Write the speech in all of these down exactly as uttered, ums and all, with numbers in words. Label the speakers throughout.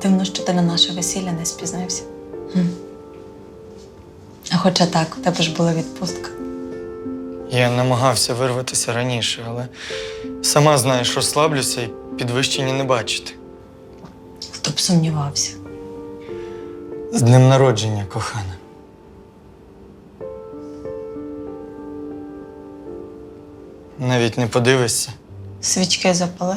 Speaker 1: Дивно, що ти на наше весілля не спізнився. Хм. А хоча так, у тебе ж була відпустка.
Speaker 2: Я намагався вирватися раніше, але сама знаєш, розслаблюся і підвищення не бачити.
Speaker 1: Хто б сумнівався.
Speaker 2: З днем народження, кохана. Навіть не подивишся.
Speaker 1: Свічки запали.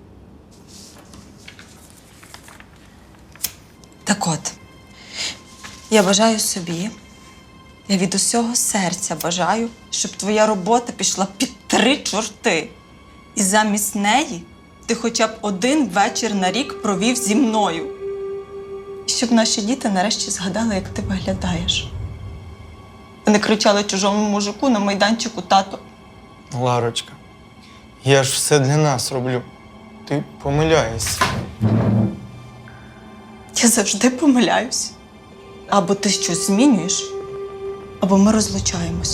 Speaker 1: Так от, я бажаю собі, я від усього серця бажаю, щоб твоя робота пішла під три чорти. І замість неї ти хоча б один вечір на рік провів зі мною. І щоб наші діти нарешті згадали, як ти виглядаєш. Вони кричали чужому мужику на майданчику: тато.
Speaker 2: Ларочка, я ж все для нас роблю. Ти помиляєшся.
Speaker 1: Я завжди помиляюсь. Або ти щось змінюєш, або ми розлучаємось.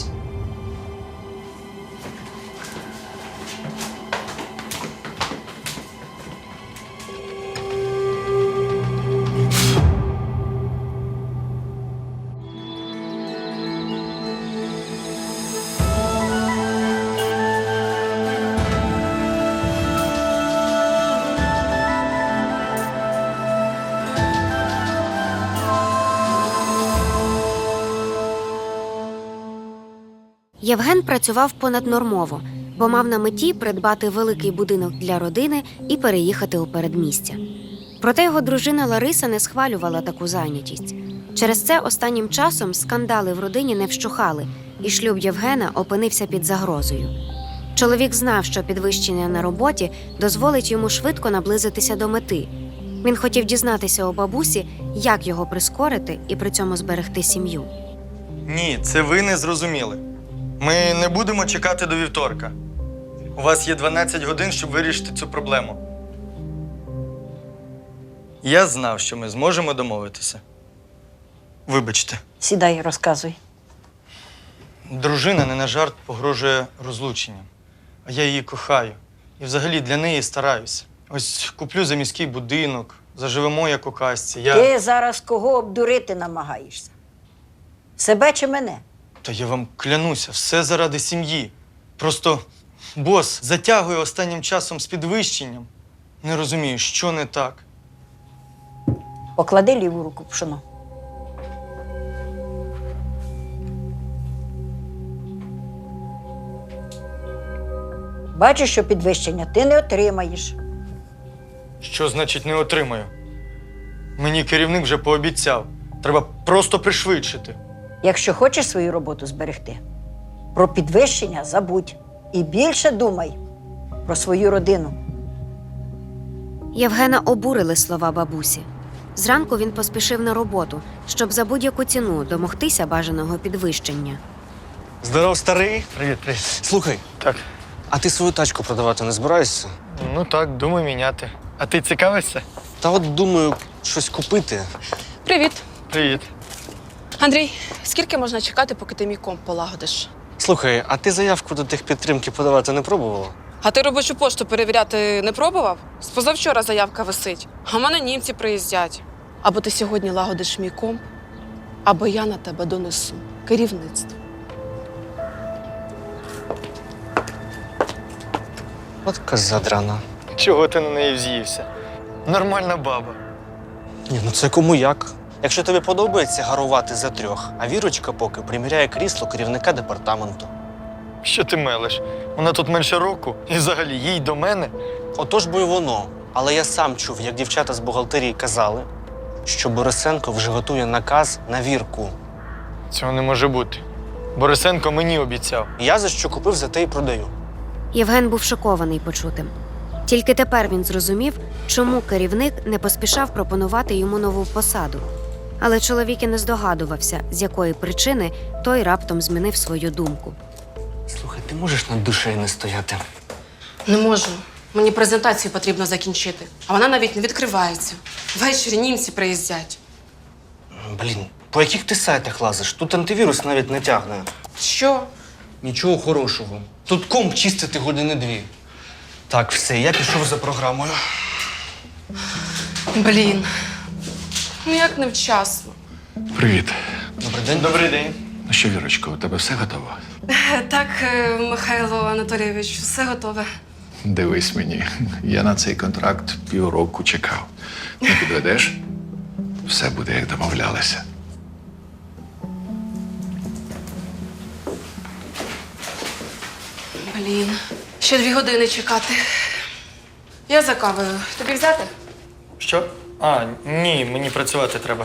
Speaker 3: Євген працював понаднормово, бо мав на меті придбати великий будинок для родини і переїхати у передмістя. Проте його дружина Лариса не схвалювала таку зайнятість. Через це останнім часом скандали в родині не вщухали, і шлюб Євгена опинився під загрозою. Чоловік знав, що підвищення на роботі дозволить йому швидко наблизитися до мети. Він хотів дізнатися у бабусі, як його прискорити і при цьому зберегти сім'ю.
Speaker 2: Ні, це ви не зрозуміли. Ми не будемо чекати до вівторка. У вас є дванадцять годин, щоб вирішити цю проблему. Я знав, що ми зможемо домовитися. Вибачте.
Speaker 4: Сідай, розказуй.
Speaker 2: Дружина не на жарт погрожує розлученням. А я її кохаю. І взагалі для неї стараюся. Ось куплю за міський будинок, заживемо як у казці. Я...
Speaker 4: Ти зараз кого обдурити намагаєшся? Себе чи мене?
Speaker 2: Та я вам клянуся, все заради сім'ї. Просто бос затягує останнім часом з підвищенням. Не розумію, що не так.
Speaker 4: Поклади ліву руку в пшоно. Бачиш, що підвищення ти не отримаєш.
Speaker 2: Що значить не отримаю? Мені керівник вже пообіцяв. Треба просто пришвидшити.
Speaker 4: Якщо хочеш свою роботу зберегти, про підвищення забудь. І більше думай про свою родину.
Speaker 3: Євгена обурили слова бабусі. Зранку він поспішив на роботу, щоб за будь-яку ціну домогтися бажаного підвищення.
Speaker 5: Здоров, старий.
Speaker 2: Привіт, привіт.
Speaker 5: Слухай,
Speaker 2: Так.
Speaker 5: а ти свою тачку продавати не збираєшся?
Speaker 2: Ну так, думаю міняти. А ти цікавишся?
Speaker 5: Та от думаю, щось купити.
Speaker 6: Привіт.
Speaker 2: Привіт.
Speaker 6: Андрій, скільки можна чекати, поки ти мій комп полагодиш?
Speaker 5: Слухай, а ти заявку до техпідтримки подавати не пробувала?
Speaker 6: А ти робочу пошту перевіряти не пробував? З позавчора заявка висить, а в мене німці приїздять. Або ти сьогодні лагодиш мій комп, або я на тебе донесу керівництво.
Speaker 5: От коза драна.
Speaker 2: Чого ти на неї вз'ївся? Нормальна баба.
Speaker 5: Ні, ну це кому як. Якщо тобі подобається гарувати за трьох, а Вірочка поки приміряє крісло керівника департаменту.
Speaker 2: Що ти мелиш? Вона тут менше року і взагалі їй до мене.
Speaker 5: Отож бо й воно. Але я сам чув, як дівчата з бухгалтерії казали, що Борисенко вже готує наказ на Вірку.
Speaker 2: Цього не може бути. Борисенко мені обіцяв.
Speaker 5: Я за що купив, за те й продаю.
Speaker 3: Євген був шокований почутим. Тільки тепер він зрозумів, чому керівник не поспішав пропонувати йому нову посаду. Але чоловік і не здогадувався, з якої причини той раптом змінив свою думку.
Speaker 5: Слухай, ти можеш над душею не стояти?
Speaker 6: Не можу. Мені презентацію потрібно закінчити, а вона навіть не відкривається. Ввечері німці приїздять.
Speaker 5: Блін, по яких ти сайтах лазиш? Тут антивірус навіть не тягне.
Speaker 6: Що?
Speaker 5: Нічого хорошого. Тут комп чистити години дві. Так, все, я пішов за програмою.
Speaker 6: Блін, Ну як невчасно.
Speaker 7: Привіт.
Speaker 5: Добрий день.
Speaker 2: Добрий день.
Speaker 7: Ну що, Вірочко, у тебе все готово?
Speaker 6: Так, е, Михайло Анатолійович, все готове.
Speaker 7: Дивись мені, я на цей контракт півроку чекав. Не підведеш? Все буде, як домовлялися.
Speaker 6: Блін, ще дві години чекати. Я за кавою. Тобі взяти?
Speaker 2: Що? А, ні, мені працювати треба.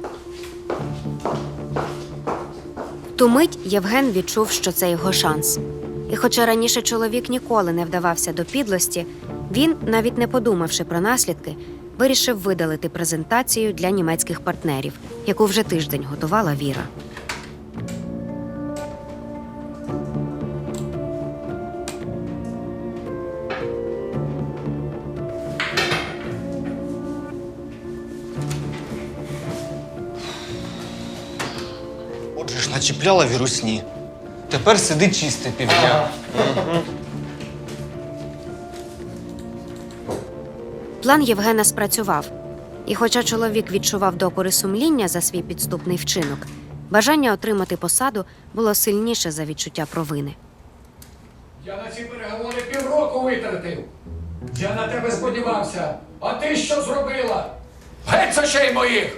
Speaker 3: В ту мить Євген відчув, що це його шанс. І хоча раніше чоловік ніколи не вдавався до підлості, він, навіть не подумавши про наслідки, вирішив видалити презентацію для німецьких партнерів, яку вже тиждень готувала Віра.
Speaker 5: Отже ж, начіпляла вірусні. Тепер сиди чисте півдня.
Speaker 3: План Євгена спрацював. І хоча чоловік відчував докори сумління за свій підступний вчинок, бажання отримати посаду було сильніше за відчуття провини.
Speaker 8: Я на ці переговори півроку витратив. Я на тебе сподівався. А ти що зробила? Геть з очей моїх!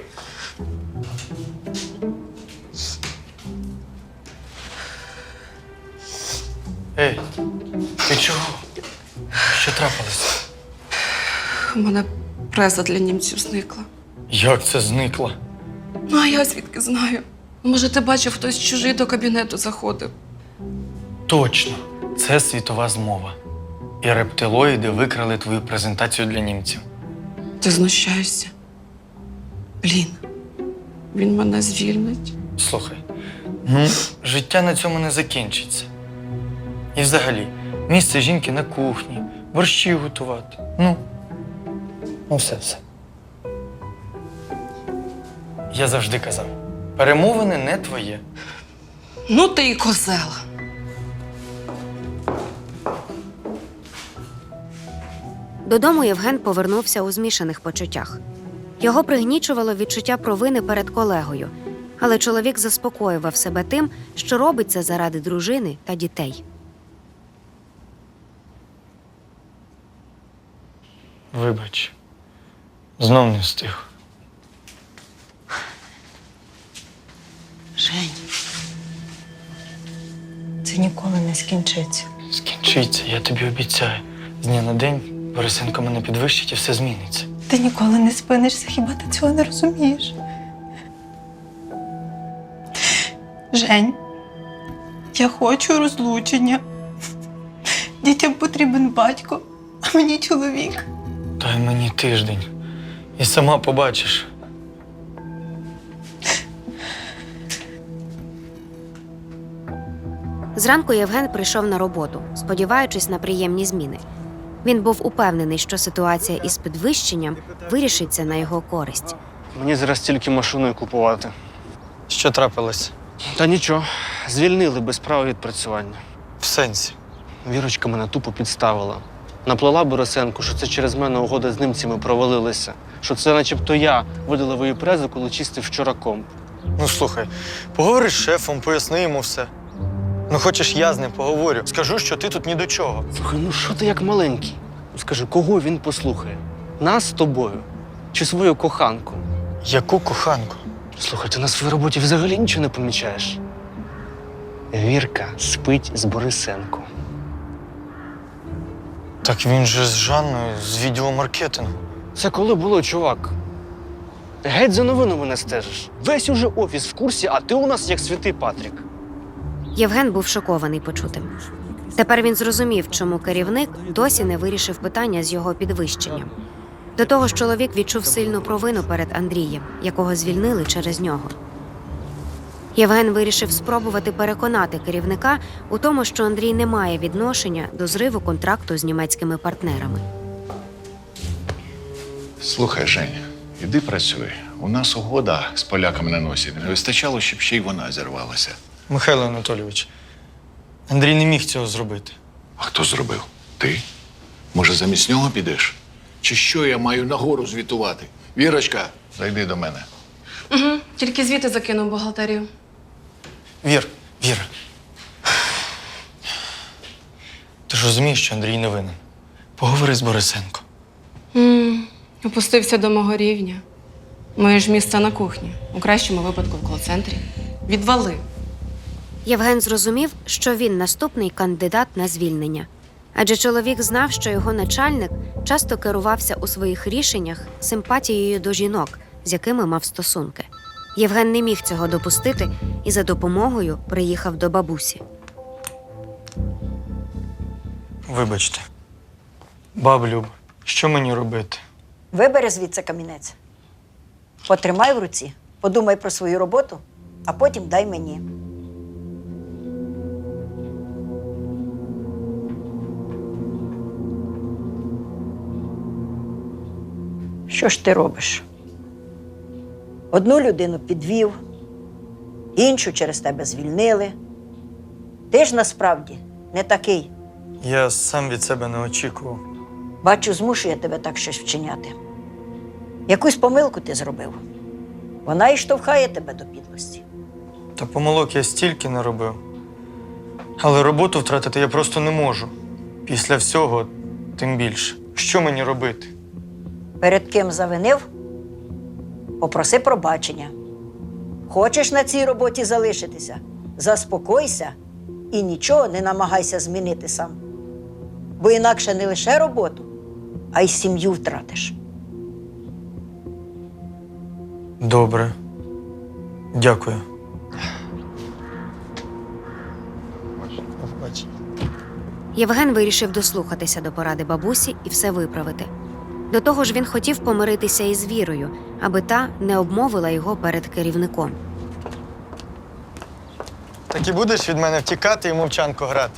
Speaker 2: Ей, ти чого? Що трапилось?
Speaker 6: У мене преза для німців зникла.
Speaker 2: Як це зникло?
Speaker 6: Ну, а я звідки знаю? Може, ти бачив, хтось чужий до кабінету заходив.
Speaker 2: Точно, це світова змова. І рептилоїди викрали твою презентацію для німців.
Speaker 6: Ти знущаєшся? Блін, він мене звільнить.
Speaker 2: Слухай, ну, життя на цьому не закінчиться. І взагалі, місце жінки на кухні, борщі готувати. Ну, ну все, все. Я завжди казав, перемовини не твоє.
Speaker 6: Ну ти і козел.
Speaker 3: Додому Євген повернувся у змішаних почуттях. Його пригнічувало відчуття провини перед колегою, але чоловік заспокоював себе тим, що робить це заради дружини та дітей.
Speaker 2: Вибач, знов не встиг.
Speaker 1: Жень, це ніколи не скінчиться.
Speaker 2: Скінчиться, я тобі обіцяю. З дня на день Борисенко мене підвищить і все зміниться.
Speaker 1: Ти ніколи не спинишся, хіба ти цього не розумієш? Жень, я хочу розлучення. Дітям потрібен батько, а мені чоловік.
Speaker 2: Дай мені тиждень. І сама побачиш.
Speaker 3: Зранку Євген прийшов на роботу, сподіваючись на приємні зміни. Він був упевнений, що ситуація із підвищенням вирішиться на його користь.
Speaker 5: Мені зараз тільки машиною купувати.
Speaker 2: Що трапилось?
Speaker 5: Та нічого, звільнили без права відпрацювання.
Speaker 2: В сенсі.
Speaker 5: Вірочка мене тупо підставила. Наплела Борисенку, що це через мене угода з німцями провалилася. Що це начебто я видалив її презу, коли чистив вчора комп.
Speaker 2: Ну слухай, поговори з шефом, поясни йому все. Ну хочеш, я з ним поговорю. Скажу, що ти тут ні до чого.
Speaker 5: Слухай, ну що ти як маленький? Скажи, кого він послухає? Нас з тобою? Чи свою коханку?
Speaker 2: Яку коханку?
Speaker 5: Слухай, ти на своїй роботі взагалі нічого не помічаєш. Вірка спить з Борисенко.
Speaker 2: Так він же з Жанною, з відділу маркетингу.
Speaker 5: Це коли було, чувак? Геть за новинами не стежиш. Весь уже офіс в курсі, а ти у нас як святий Патрік.
Speaker 3: Євген був шокований почутим. Тепер він зрозумів, чому керівник досі не вирішив питання з його підвищенням. До того ж, чоловік відчув сильну провину перед Андрієм, якого звільнили через нього. Євген вирішив спробувати переконати керівника у тому, що Андрій не має відношення до зриву контракту з німецькими партнерами.
Speaker 7: Слухай, Жень, іди працюй. У нас угода з поляками на носі. Не вистачало, щоб ще й вона зірвалася.
Speaker 2: Михайло Анатолійович, Андрій не міг цього зробити.
Speaker 7: А хто зробив? Ти? Може, замість нього підеш? Чи що я маю нагору звітувати? Вірочка, зайди до мене.
Speaker 6: Угу, тільки звіти закинув в бухгалтерію.
Speaker 2: Вір, Вір. Ти ж розумієш, що Андрій не винен. Поговори з Борисенко.
Speaker 6: М, Опустився до мого рівня. Моє ж місце на кухні, у кращому випадку в кол-центрі. Відвали.
Speaker 3: Євген зрозумів, що він наступний кандидат на звільнення. Адже чоловік знав, що його начальник часто керувався у своїх рішеннях симпатією до жінок, з якими мав стосунки. Євген не міг цього допустити і за допомогою приїхав до бабусі.
Speaker 2: Вибачте. Баб Люб, що мені робити?
Speaker 4: Вибери звідси камінець. Потримай в руці, подумай про свою роботу, а потім дай мені. Що ж ти робиш? Одну людину підвів, іншу через тебе звільнили. Ти ж насправді не такий.
Speaker 2: Я сам від себе не очікував.
Speaker 4: Бачу, змушує тебе так щось вчиняти. Якусь помилку ти зробив. Вона і штовхає тебе до підлості.
Speaker 2: Та помилок я стільки не робив. Але роботу втратити я просто не можу. Після всього тим більше. Що мені робити?
Speaker 4: Перед ким завинив, попроси пробачення. Хочеш на цій роботі залишитися? Заспокойся і нічого не намагайся змінити сам. Бо інакше не лише роботу, а й сім'ю втратиш.
Speaker 2: Добре. Дякую. До побачення.
Speaker 3: Євген вирішив дослухатися до поради бабусі і все виправити. До того ж, він хотів помиритися із Вірою, аби та не обмовила його перед керівником.
Speaker 2: Так і будеш від мене втікати і мовчанку грати?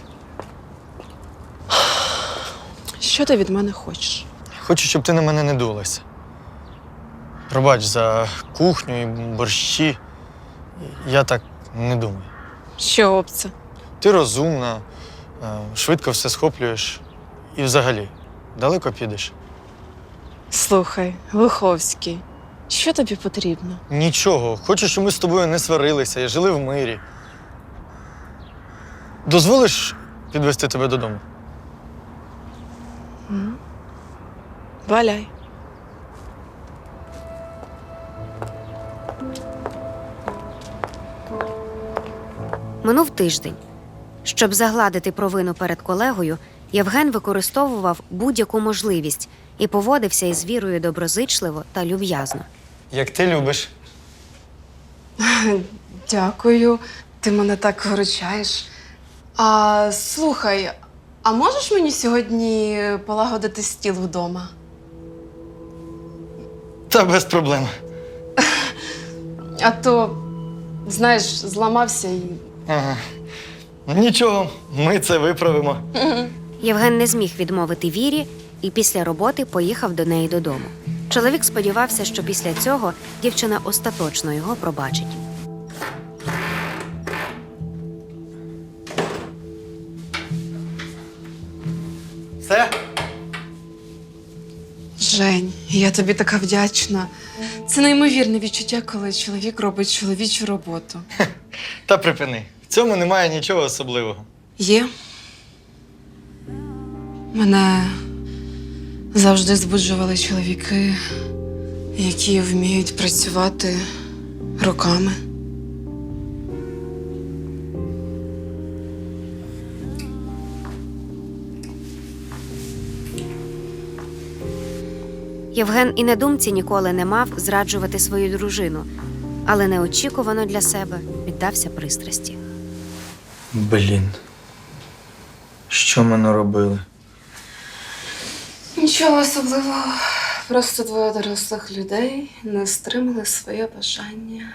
Speaker 6: Що ти від мене хочеш?
Speaker 2: Хочу, щоб ти на мене не дулася. Пробач за кухню і борщі. Я так не думаю.
Speaker 6: Що об це?
Speaker 2: Ти розумна, е, швидко все схоплюєш. І взагалі, далеко підеш.
Speaker 6: Слухай, Лиховський, що тобі потрібно?
Speaker 2: Нічого. Хочу, щоб ми з тобою не сварилися і жили в мирі. Дозволиш підвести тебе додому?
Speaker 6: Валяй.
Speaker 3: Минув тиждень. Щоб загладити провину перед колегою, Євген використовував будь-яку можливість і поводився із Вірою доброзичливо та люб'язно.
Speaker 2: Як ти любиш.
Speaker 6: Дякую, ти мене так виручаєш. А слухай, а можеш мені сьогодні полагодити стіл вдома?
Speaker 2: Та без проблем.
Speaker 6: А то, знаєш, зламався і.
Speaker 2: Ага. Нічого, ми це виправимо.
Speaker 3: Євген не зміг відмовити Вірі і після роботи поїхав до неї додому. Чоловік сподівався, що після цього дівчина остаточно його пробачить.
Speaker 2: Все?
Speaker 6: Жень, я тобі така вдячна. Це неймовірне відчуття, коли чоловік робить чоловічу роботу.
Speaker 2: Та припини. В цьому немає нічого особливого.
Speaker 6: Є. Мене завжди збуджували чоловіки, які вміють працювати руками.
Speaker 3: Євген і на думці ніколи не мав зраджувати свою дружину, але неочікувано для себе піддався пристрасті.
Speaker 2: Блін. Що ми наробили?
Speaker 6: Нічого особливого. Просто двоє дорослих людей не стримали своє бажання.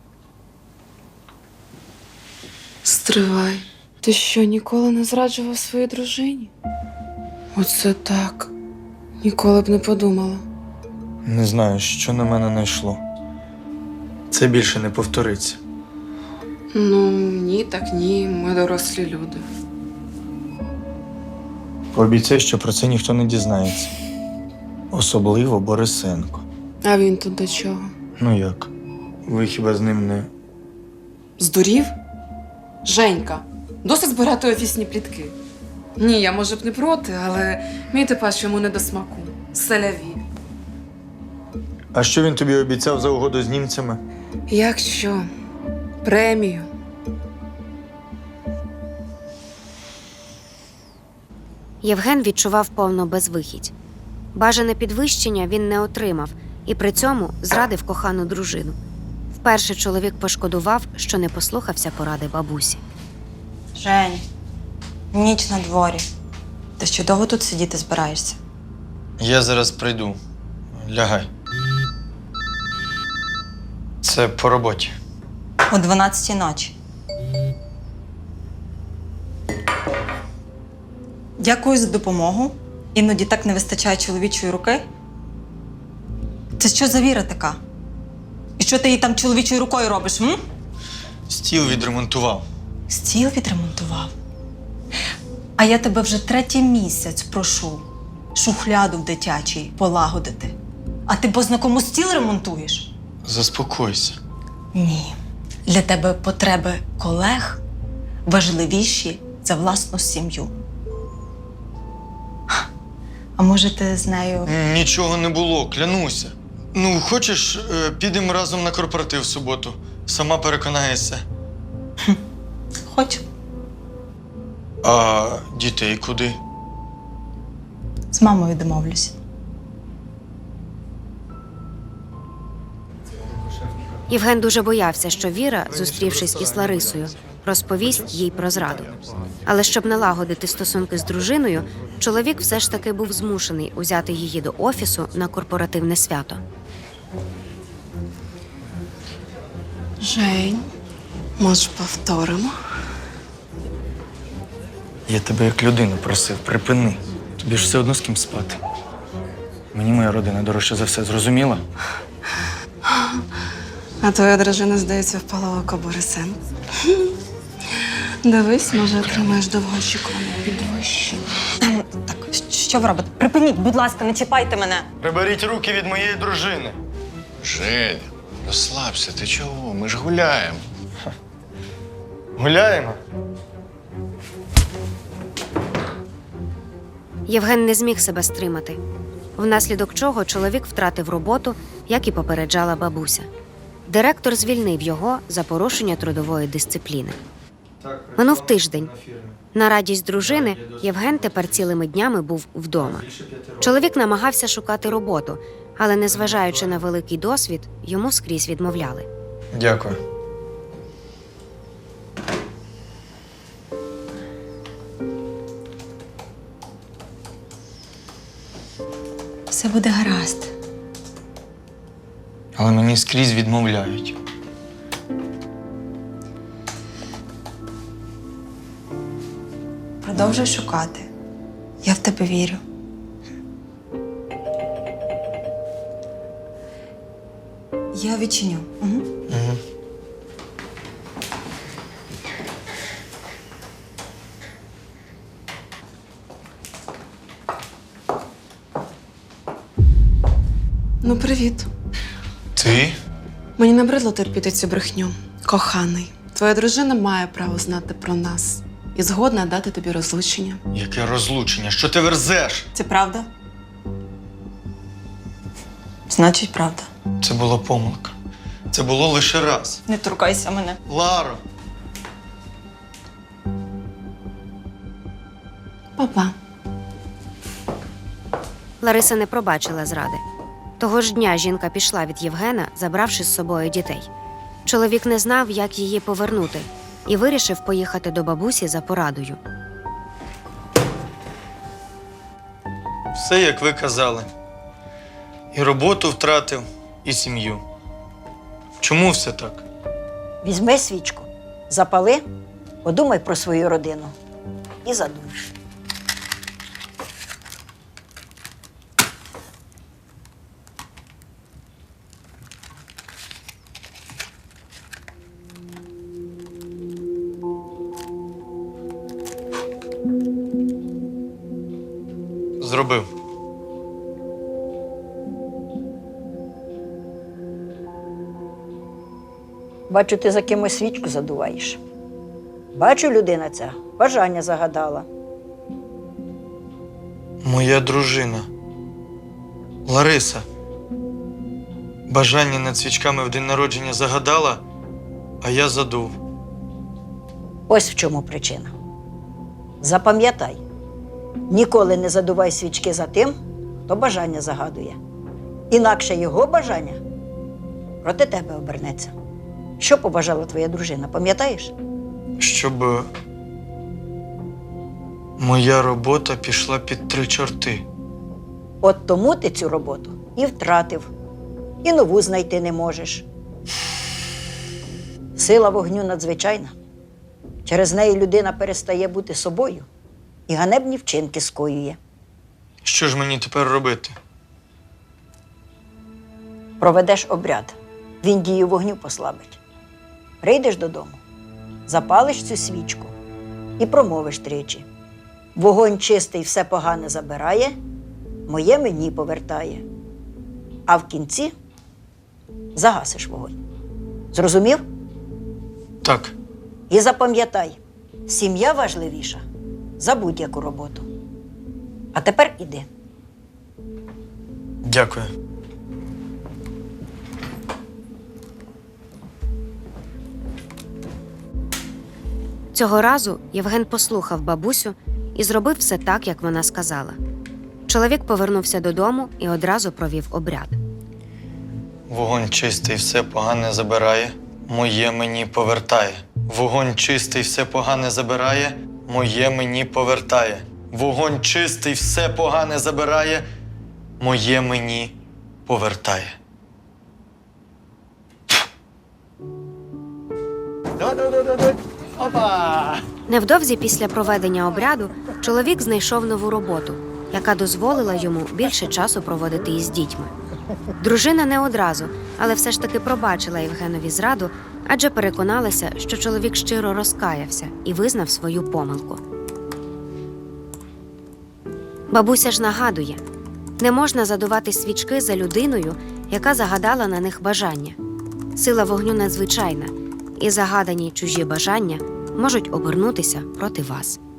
Speaker 6: Стривай. Ти що, ніколи не зраджував своїй дружині? Оце так. Ніколи б не подумала.
Speaker 2: Не знаю, що на мене найшло. Це більше не повториться.
Speaker 6: Ну, ні, так ні. Ми дорослі люди.
Speaker 2: Пообіцяй, що про це ніхто не дізнається. Особливо Борисенко.
Speaker 6: А він тут до чого?
Speaker 2: Ну як? Ви хіба з ним не.
Speaker 6: Здурів? Женька, досить збирати офісні плітки. Ні, я може б не проти, але мій типаж йому не до смаку. Селяві.
Speaker 2: А що він тобі обіцяв за угоду з німцями?
Speaker 6: Як що? Премію.
Speaker 3: Євген відчував повну безвихідь. Бажане підвищення він не отримав і при цьому зрадив кохану дружину. Вперше чоловік пошкодував, що не послухався поради бабусі.
Speaker 1: Жень, ніч на дворі. Ти ще довго тут сидіти збираєшся?
Speaker 2: Я зараз прийду. Лягай. Це по роботі.
Speaker 1: О дванадцятій ночі. Дякую за допомогу. Іноді так не вистачає чоловічої руки. Це що за віра така? І що ти їй там чоловічою рукою робиш, м?
Speaker 2: Стіл відремонтував.
Speaker 1: Стіл відремонтував. А я тебе вже третій місяць прошу шухляду в дитячій полагодити. А ти бозна кому стіл ремонтуєш?
Speaker 2: Заспокойся.
Speaker 1: Ні. Для тебе потреби колег важливіші за власну сім'ю. А може ти з нею...
Speaker 2: Нічого не було, клянуся. Ну, хочеш, е, підемо разом на корпоратив в суботу. Сама переконаєшся.
Speaker 1: Хочу.
Speaker 2: А дітей куди?
Speaker 1: З мамою домовлюся.
Speaker 3: Євген дуже боявся, що Віра, зустрівшись із Ларисою, розповість їй про зраду. Але щоб налагодити стосунки з дружиною, чоловік все ж таки був змушений узяти її до офісу на корпоративне свято.
Speaker 6: Жень, може, повторимо?
Speaker 2: Я тебе як людину просив, припини. Тобі ж все одно з ким спати. Мені моя родина дорожче за все, зрозуміла?
Speaker 6: А твоя дружина, здається, впала в око Борисенку. Дивись, може, отримаєш довгоочікуване підвищення.
Speaker 1: Так, що ви робите? Припиніть, будь ласка, не чіпайте мене.
Speaker 2: Приберіть руки від моєї дружини.
Speaker 7: Женя, розслабся, ти чого? Ми ж гуляємо.
Speaker 2: Гуляємо?
Speaker 3: Євген не зміг себе стримати, внаслідок чого чоловік втратив роботу, як і попереджала бабуся. Директор звільнив його за порушення трудової дисципліни. Минув тиждень. На радість дружини Євген тепер цілими днями був вдома. Чоловік намагався шукати роботу, але, незважаючи на великий досвід, йому скрізь відмовляли.
Speaker 2: Дякую.
Speaker 1: Все буде гаразд.
Speaker 2: Але мені скрізь відмовляють.
Speaker 1: Продовжуй шукати. Я в тебе вірю. Я відчиню. Угу.
Speaker 2: Угу.
Speaker 6: Ну, привіт.
Speaker 2: Ти?
Speaker 6: Мені набридло терпіти цю брехню. Коханий, твоя дружина має право знати про нас і згодна дати тобі розлучення.
Speaker 2: Яке розлучення? Що ти верзеш?
Speaker 1: Це правда? Значить, правда.
Speaker 2: Це була помилка. Це було лише раз.
Speaker 1: Не торкайся мене.
Speaker 2: Ларо!
Speaker 6: Папа.
Speaker 3: Лариса не пробачила зради. Того ж дня жінка пішла від Євгена, забравши з собою дітей. Чоловік не знав, як її повернути, і вирішив поїхати до бабусі за порадою.
Speaker 2: Все, як ви казали. І роботу втратив, і сім'ю. Чому все так?
Speaker 4: Візьми свічку, запали, подумай про свою родину і задуй.
Speaker 2: Зробив.
Speaker 4: Бачу, ти за кимось свічку задуваєш. Бачу, людина ця бажання загадала.
Speaker 2: Моя дружина. Лариса. Бажання над свічками в день народження загадала, а я задув.
Speaker 4: Ось в чому причина. Запам'ятай, ніколи не задувай свічки за тим, хто бажання загадує. Інакше його бажання проти тебе обернеться. Що побажала твоя дружина, пам'ятаєш?
Speaker 2: Щоб моя робота пішла під три чорти.
Speaker 4: От тому ти цю роботу і втратив, і нову знайти не можеш. Сила вогню надзвичайна. Через неї людина перестає бути собою і ганебні вчинки скоює.
Speaker 2: Що ж мені тепер робити?
Speaker 4: Проведеш обряд, він дію вогню послабить. Прийдеш додому, запалиш цю свічку і промовиш тричі. Вогонь чистий все погане забирає, моє мені повертає. А в кінці загасиш вогонь. Зрозумів?
Speaker 2: Так.
Speaker 4: І запам'ятай, сім'я важливіша за будь-яку роботу. А тепер іди.
Speaker 2: Дякую.
Speaker 3: Цього разу Євген послухав бабусю і зробив все так, як вона сказала. Чоловік повернувся додому і одразу провів обряд.
Speaker 2: Вогонь чистий все погане забирає, моє мені повертає. Вогонь чистий все погане забирає, моє мені повертає. Вогонь чистий все погане забирає, моє мені повертає.
Speaker 3: Невдовзі після проведення обряду чоловік знайшов нову роботу, яка дозволила йому більше часу проводити із дітьми. Дружина не одразу, але все ж таки пробачила Євгенові зраду, адже переконалася, що чоловік щиро розкаявся і визнав свою помилку. Бабуся ж нагадує, не можна задувати свічки за людиною, яка загадала на них бажання. Сила вогню надзвичайна, і загадані чужі бажання можуть обернутися проти вас.